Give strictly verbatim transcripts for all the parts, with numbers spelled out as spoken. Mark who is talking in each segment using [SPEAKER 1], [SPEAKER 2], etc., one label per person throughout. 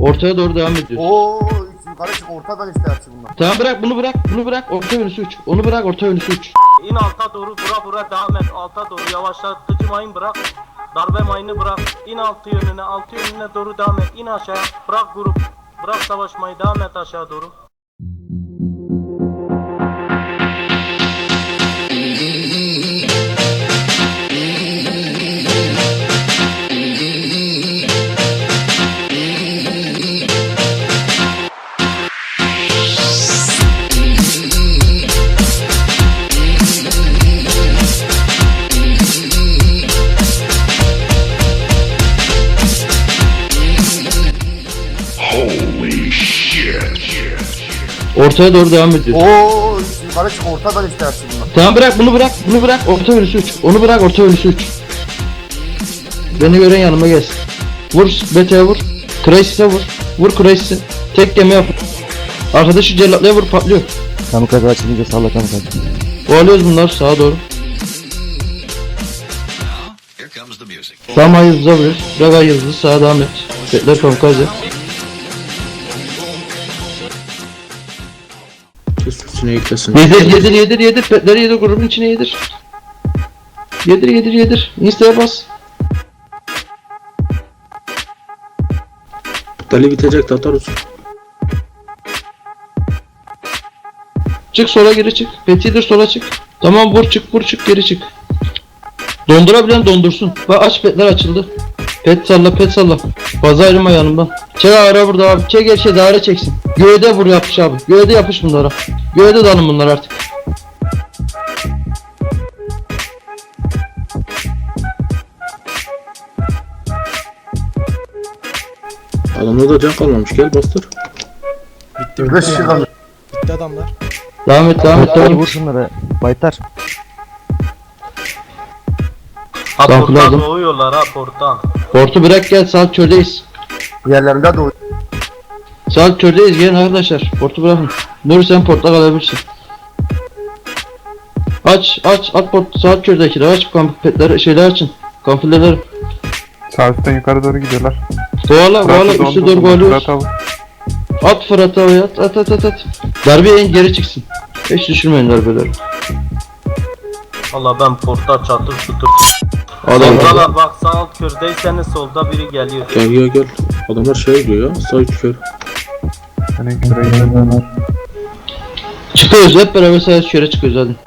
[SPEAKER 1] Ortaya doğru devam ediyoruz.
[SPEAKER 2] Oo, yukarı çık, ortadan işte hepsi bunlar.
[SPEAKER 1] Tamam bırak bunu bırak bunu bırak orta yönüsü uç. Onu bırak orta yönüsü uç.
[SPEAKER 3] İn alta doğru bura bura devam et. Alta doğru yavaşlatıcı mayın bırak. Darbe mayını bırak. İn altı yönüne altı yönüne doğru devam et. İn aşağı. Bırak grup. Bırak savaşmayı devam et aşağı doğru.
[SPEAKER 1] Ortaya doğru devam ediyoruz.
[SPEAKER 2] Oo, yukarı çık, ortadan işte hepsi bunlar.
[SPEAKER 1] Tamam bırak bunu bırak bunu bırak orta yönüsü uç. Onu bırak orta yönüsü uç. Beni gören yanıma gelsin. Vur Bete'ye vur. Crisis'e vur. Vur Crisis'e. Tek gemi yap. Arkadaşı cellatlıya vur patlıyor.
[SPEAKER 4] Kamikaze açılınca salla kamikaze.
[SPEAKER 1] Kovalıyoruz bunlar sağa doğru. Tam ayıldız'a vuruyoruz. Bırak ayıldızı sağa devam et. Petler kamikaze.
[SPEAKER 5] Üstüne yüklesin.
[SPEAKER 1] Yedir yedir yedir yedir. Petleri yedir grubun içine yedir. Yedir yedir yedir. Insta'ya bas.
[SPEAKER 5] Dali bitecek Tatarus.
[SPEAKER 1] Çık sola geri çık. Petidir sola çık. Tamam vur çık vur çık geri çık. Dondurabilen dondursun. Bak aç petler açıldı. Pet salla pet salla. Fazla ayrılma yanımdan. Çek ara burada abi. Çek her şey daire çeksin. Göğde vur yapış abi. Göğde yapış bunlara. Göğde dalın bunlar artık.
[SPEAKER 5] Adamda da can kalmamış, gel bastır.
[SPEAKER 2] Beş kişi kaldı.
[SPEAKER 6] Bitti adamlar.
[SPEAKER 1] Devam et devam et devam et.
[SPEAKER 4] Vur şunları. Baytar.
[SPEAKER 3] Ha
[SPEAKER 1] Tamam,
[SPEAKER 3] porttan
[SPEAKER 1] kullandım.
[SPEAKER 3] doğuyorlar ha porttan.
[SPEAKER 1] Portu bırak gel saat kördeyiz.
[SPEAKER 2] Yerlerinde de o.
[SPEAKER 1] Saat kördeyiz gelin arkadaşlar. Portu bırakın. Nur sen portta kalabilirsin. Aç aç at port saat kördekileri aç kamp petleri şeyler açın. Kampileri.
[SPEAKER 7] Sağ üstten yukarı doğru gidiyorlar.
[SPEAKER 1] Kovala kovala
[SPEAKER 7] Fırat'ı
[SPEAKER 1] üstü
[SPEAKER 7] dondursun,
[SPEAKER 1] doğru kovalıyoruz.
[SPEAKER 7] Fırat'ı al.
[SPEAKER 1] At Fırat'a havaya at at at at at. Darbe in geri çıksın. Hiç düşürmeyin darbeleri.
[SPEAKER 3] Valla ben portta çatır tutur.
[SPEAKER 1] Adam
[SPEAKER 3] Soldalar bak sağ alt kördeyseniz solda biri geliyor.
[SPEAKER 5] Gel gel gel. Adamlar şey diyor ya, sağ üç kör.
[SPEAKER 7] Hani şuraya gidelim.
[SPEAKER 1] çıkıyoruz hep beraber sayı şöyle çıkıyoruz hadi.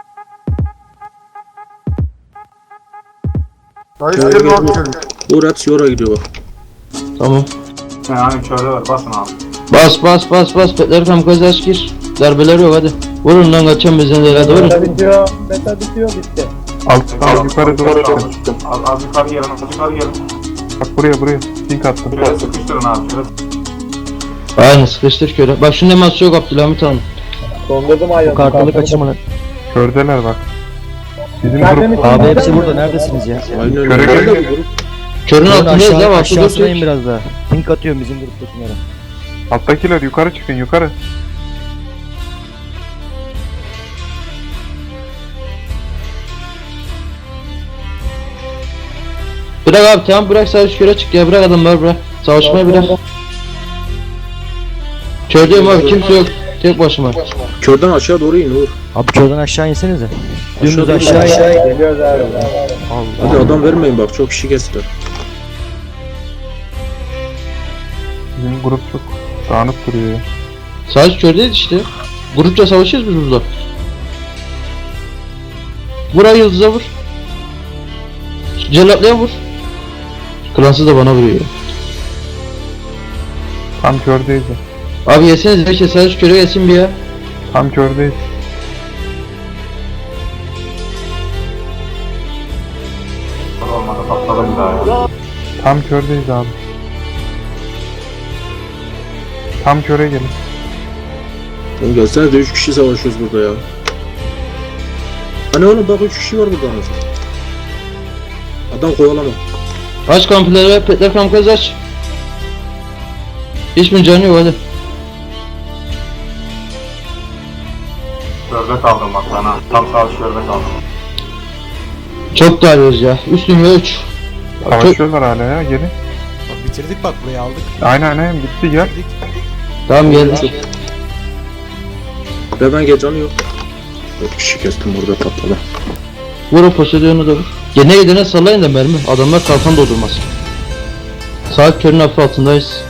[SPEAKER 2] Dayı
[SPEAKER 5] Gel,
[SPEAKER 2] üstüne
[SPEAKER 5] gel,
[SPEAKER 2] at
[SPEAKER 5] gel.
[SPEAKER 2] şöyle.
[SPEAKER 5] Uğur hepsi yora gidiyor bak.
[SPEAKER 1] Tamam.
[SPEAKER 8] Yani şöyle ver basın abi.
[SPEAKER 1] Bas bas bas bas petleri kamikaze aç gir. Darbeler yok hadi. Vurun lan kaçan bizden değil hadi vurun.
[SPEAKER 8] bitiyor. Beta bitiyor bitti.
[SPEAKER 7] Alttan yukarı doğru çıkın.
[SPEAKER 8] Az, az yukarı gelin, az yukarı gelin.
[SPEAKER 7] Bak buraya buraya. Link attım.
[SPEAKER 8] Şöyle sıkıştırın abi. Şöyle.
[SPEAKER 1] Aynen sıkıştır köre. Bak şunun hemen yok Abdülhamit Hanım.
[SPEAKER 8] Dondurdum ayağını.
[SPEAKER 4] Bu kartalı kaçırma lan.
[SPEAKER 7] Kördeler bak. Bizim
[SPEAKER 8] Nerede
[SPEAKER 7] grup
[SPEAKER 8] mi?
[SPEAKER 4] Abi hepsi burada. Neredesiniz ya?
[SPEAKER 5] Aynen öyle.
[SPEAKER 7] Köre
[SPEAKER 5] Nerede
[SPEAKER 7] gel.
[SPEAKER 5] bu grup?
[SPEAKER 1] Körün
[SPEAKER 4] Bunun
[SPEAKER 1] altındayız
[SPEAKER 4] aşağı,
[SPEAKER 1] ya bak.
[SPEAKER 4] aşağısına in biraz daha. Link atıyorum bizim gruptakilere.
[SPEAKER 7] alttakiler yukarı çıkın yukarı.
[SPEAKER 1] Bırak abi tamam bırak savaş köre çık ya bırak adamları bırak. Savaşmayı bırak. Kördeyim abi kimse yok. Tek başıma.
[SPEAKER 5] Körden aşağı doğru in Uğur.
[SPEAKER 4] Abi şuradan aşağı insenize. Dümdüz
[SPEAKER 5] Aşağı
[SPEAKER 4] aşağı in.
[SPEAKER 8] Geliyoruz abi.
[SPEAKER 5] Hadi adam vermeyin bak, çok kişi kestiler.
[SPEAKER 7] Bizim grup çok dağınık duruyor ya.
[SPEAKER 1] Savaş kördeyiz işte. Grupça savaşıyoruz biz burada. Vur ay yıldıza vur. Cellatlıya vur. Klansız da bana vuruyor.
[SPEAKER 7] Tam kördeyiz ya.
[SPEAKER 1] Abi yeseniz beşe savaş köre yesin bir ya.
[SPEAKER 7] Tam kördeyiz.
[SPEAKER 8] Olmadı patladı bir daha ya.
[SPEAKER 7] Tam kördeyiz abi. Tam köre gelin.
[SPEAKER 5] Oğlum gelsene de üç kişi savaşıyoruz burada ya. Hani oğlum bak üç kişi var burada anasını. Adam kovalama.
[SPEAKER 1] Aç kampileri, petler kamikaze aç. Hiçbir canı yok hadi.
[SPEAKER 8] Şöyle kaldım bak ben ha. Tam sağ şöyle kaldım.
[SPEAKER 1] Çok darıyoruz ya. Üstün ve üç. Çok...
[SPEAKER 7] Savaşıyorlar hala ya gelin.
[SPEAKER 6] Bitirdik bak, burayı aldık.
[SPEAKER 7] Aynen aynen bitti gel.
[SPEAKER 6] Bitirdik.
[SPEAKER 1] Tamam geldik.
[SPEAKER 5] Ve ben gece canı yok. Dört kişi kestim burada patladı.
[SPEAKER 1] Vur o poseidonu da vur. Gene gidene sallayın da mermi. Adamlar kalkan doldurmaz. Saat körün hafif altındayız.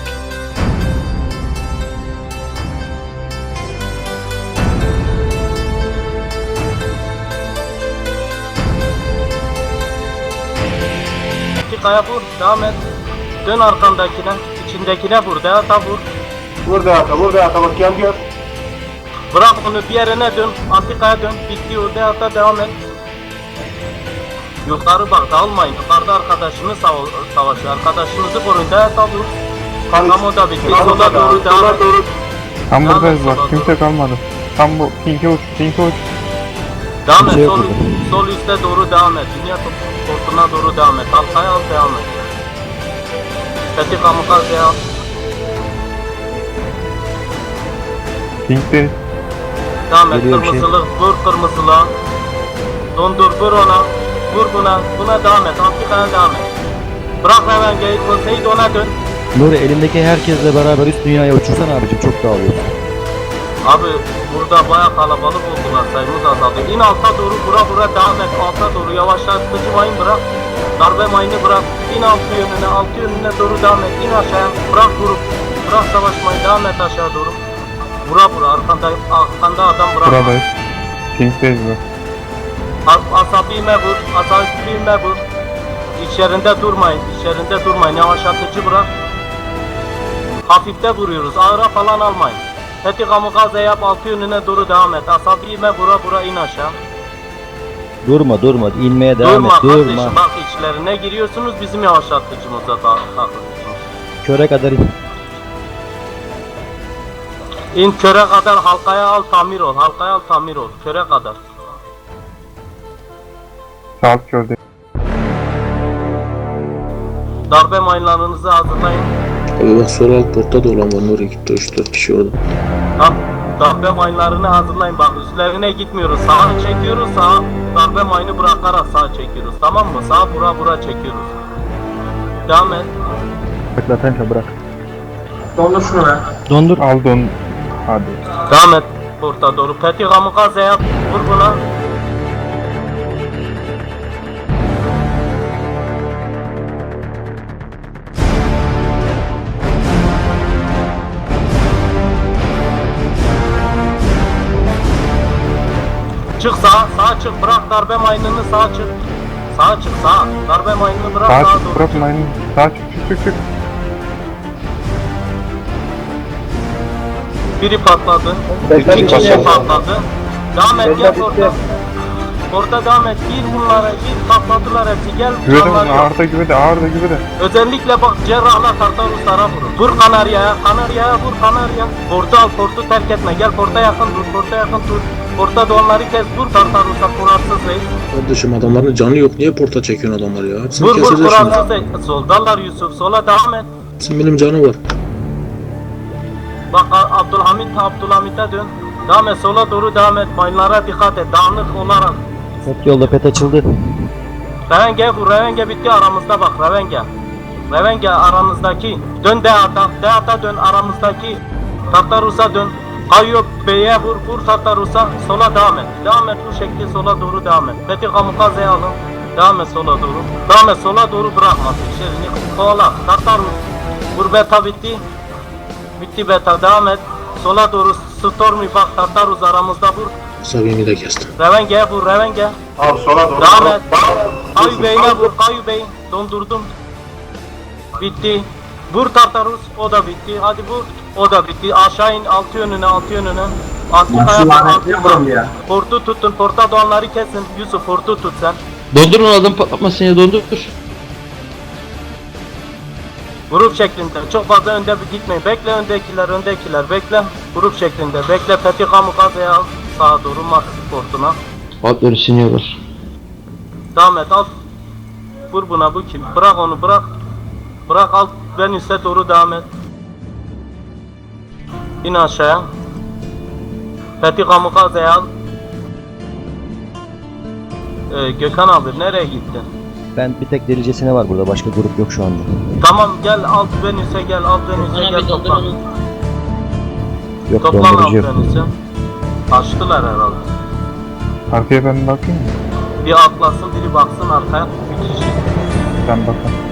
[SPEAKER 3] Kaya vur, devam et. Dön arkandakine, içindekine vur, Deata vur.
[SPEAKER 8] Vur Deata, vur Deata, bak gel gel.
[SPEAKER 3] Bırak onu bir yerine dön, Antikaya dön, bitti o Deata, devam et. Yukarı bak, dağılmayın, yukarıda arkadaşını sava savaşıyor, arkadaşınızı koruyun, Deata vur. Tam o da bitti, sola doğru devam et.
[SPEAKER 7] Tam
[SPEAKER 3] Devam
[SPEAKER 7] buradayız
[SPEAKER 3] et,
[SPEAKER 7] bak
[SPEAKER 3] sola
[SPEAKER 7] kimse
[SPEAKER 3] doğru.
[SPEAKER 7] kalmadı. Tam bu pinke uç pinke uç.
[SPEAKER 3] Devam
[SPEAKER 4] Bir şey
[SPEAKER 3] et,
[SPEAKER 4] yok
[SPEAKER 3] sol,
[SPEAKER 4] burada.
[SPEAKER 3] sol üste doğru devam et, dünya portuna doğru devam et, Halkaya al, devam et. Fethi Kamikaze al.
[SPEAKER 7] Pinkte
[SPEAKER 3] Devam et,
[SPEAKER 4] Geliyor bir şey.
[SPEAKER 3] kırmızılı, vur kırmızılığa. Dondur, vur ona. Vur buna, buna devam et, Antikaya devam et. Bırak hemen geyik, Seyit ona dön.
[SPEAKER 4] Nuri elindeki herkesle beraber üst dünyaya uçursana abicim, çok dağılıyor.
[SPEAKER 3] Abi burada baya kalabalık oldular, sayımız azaldı. İn alta doğru, vura vura devam et, alta doğru yavaşlatıcı mayın bırak. Darbe mayını bırak, in altı yönüne, altı yönüne doğru devam et, in aşağıya, bırak vurup, bırak savaşmayı, devam et aşağı doğru. Vura vura, arkanda, arkanda adam bırak.
[SPEAKER 7] buradayız. Pinkteyiz bak.
[SPEAKER 3] As- Asabime vur, asabime vur. İçerinde durmayın, içerinde durmayın, yavaşlatıcı bırak. Hafifte vuruyoruz, ağıra falan almayın. Fethi Kamikaze yap, altı yönüne doğru devam et. Asabime vura vura in aşağı.
[SPEAKER 4] Durma durma, inmeye devam
[SPEAKER 3] durma
[SPEAKER 4] et,
[SPEAKER 3] kardeşim,
[SPEAKER 4] durma.
[SPEAKER 3] bak içlerine giriyorsunuz, bizim yavaşlatıcımıza da takılıyorsunuz.
[SPEAKER 4] Köre kadar in.
[SPEAKER 3] İn köre kadar, halkaya al, tamir ol, halkaya al, tamir ol, köre kadar.
[SPEAKER 7] Saat körde.
[SPEAKER 3] Darbe mayınlarınızı hazırlayın.
[SPEAKER 5] Abi bak sol alt portta da olan var. Oraya gitti üç dört kişi orada.
[SPEAKER 3] Tamam, darbe mayınlarını hazırlayın, bak üstlerine gitmiyoruz, sağa çekiyoruz, sağa darbe mayını bırakarak sağa çekiyoruz, tamam mı? Sağa vura vura çekiyoruz. Devam et.
[SPEAKER 4] Bırak lan, bırak.
[SPEAKER 8] Dondur şunu be.
[SPEAKER 4] Dondur.
[SPEAKER 7] Al don. Hadi.
[SPEAKER 3] Devam et orta doğru. Fethi Kamikaze yap, vur buna. Çık sağa, sağa çık, bırak darbe mayınını, sağa çık. Sağa çık, sağa. Darbe mayınını bırak,
[SPEAKER 7] Sağa
[SPEAKER 3] sağa
[SPEAKER 7] çık
[SPEAKER 3] doğru.
[SPEAKER 7] bırakmayın. Sağa çık çık çık çık.
[SPEAKER 3] Biri patladı.
[SPEAKER 7] Bekle,
[SPEAKER 3] İki kişi
[SPEAKER 7] bekle.
[SPEAKER 3] patladı. Devam et, gel orta. Orta devam et, gir bunlara, gir, patladılar hepsi, gel.
[SPEAKER 7] Güvede
[SPEAKER 3] canlar yok.
[SPEAKER 7] ağırda güvede ağırda güvede.
[SPEAKER 3] Özellikle bak cerrahla Tartaruslara vurun. Vur Kanarya'ya, Kanarya'ya vur Kanarya. Portu al, portu terk etme. Gel porta yakın dur, porta yakın dur. Porta da onları kes, vur Tartarus'a, kurarsız reis.
[SPEAKER 5] Kardeşim adamların canı yok. Niye porta çekiyorsun adamları ya? Hepsini
[SPEAKER 3] Vur vur
[SPEAKER 5] keseceğiz şimdi.
[SPEAKER 3] kurarsız reis. Soldalar Yusuf, sola devam et.
[SPEAKER 5] Hepsinin benim canı var.
[SPEAKER 3] Bak A- Abdülhamit, Abdülhamit'e dön. Devam et, sola doğru devam et. Mayınlara dikkat et, dağınık olarak.
[SPEAKER 4] Pet yolda, pet açıldı.
[SPEAKER 3] Revenge vur, Revenge bitti aramızda bak, Revenge. Revenge aramızdaki. Dön Deata, Deata dön aramızdaki. Tartarus'a dön. Kayyop Bey'e vur, vur Tartarus'a. Sola devam et. Devam et bu şekilde, sola doğru devam et. Fethi Kamikaze'yi alın. Devam et sola doğru. Devam et sola doğru, bırakma. İçerini kovala. Tartarus. Vur beta bitti. Bitti beta, devam et. Sola doğru Stormy bak, Tartarus aramızda vur.
[SPEAKER 5] Sabimi de kestim.
[SPEAKER 3] Revenge'ye vur, Revenge.
[SPEAKER 8] Al sola doğru.
[SPEAKER 3] Devam et. Kayu Bey'ine vur, Kayu Bey. Dondurdum. Bitti. Vur Tartarus, o da bitti. Hadi vur, o da bitti. Aşağı in, altı yönüne, altı yönüne. Antikaya bak, altı yönüne. Portu tutun, porta doğanları kesin. Yusuf, portu tut sen.
[SPEAKER 1] Dondurun adam patlatmasın ya, dondur.
[SPEAKER 3] Grup şeklinde, çok fazla önde bir gitmeyin. Bekle öndekiler, öndekiler, bekle. Grup şeklinde, bekle. Fethi Kamikaze'ye al. Sağa doğru, Max portuna.
[SPEAKER 1] Atları siniyorlar.
[SPEAKER 3] Devam et, al. Vur buna, bu kim? Bırak onu, bırak. Bırak, al. Ben üste doğru devam et. İn aşağıya. Fethi Kamikaze'yi al. Ee, Gökhan abi nereye gittin?
[SPEAKER 4] Ben bir tek delicesine var burada, başka grup yok şu anda.
[SPEAKER 3] Tamam gel alt Venüs'e gel alt Venüs'e gel toplan.
[SPEAKER 4] Yok
[SPEAKER 3] Toplan alt
[SPEAKER 4] dondurucu yok.
[SPEAKER 3] Venüs'e. Açtılar herhalde.
[SPEAKER 7] Arkaya ben bakayım mı?
[SPEAKER 3] Bir atlasın biri baksın arkaya. Bir kişi.
[SPEAKER 7] Ben bakayım.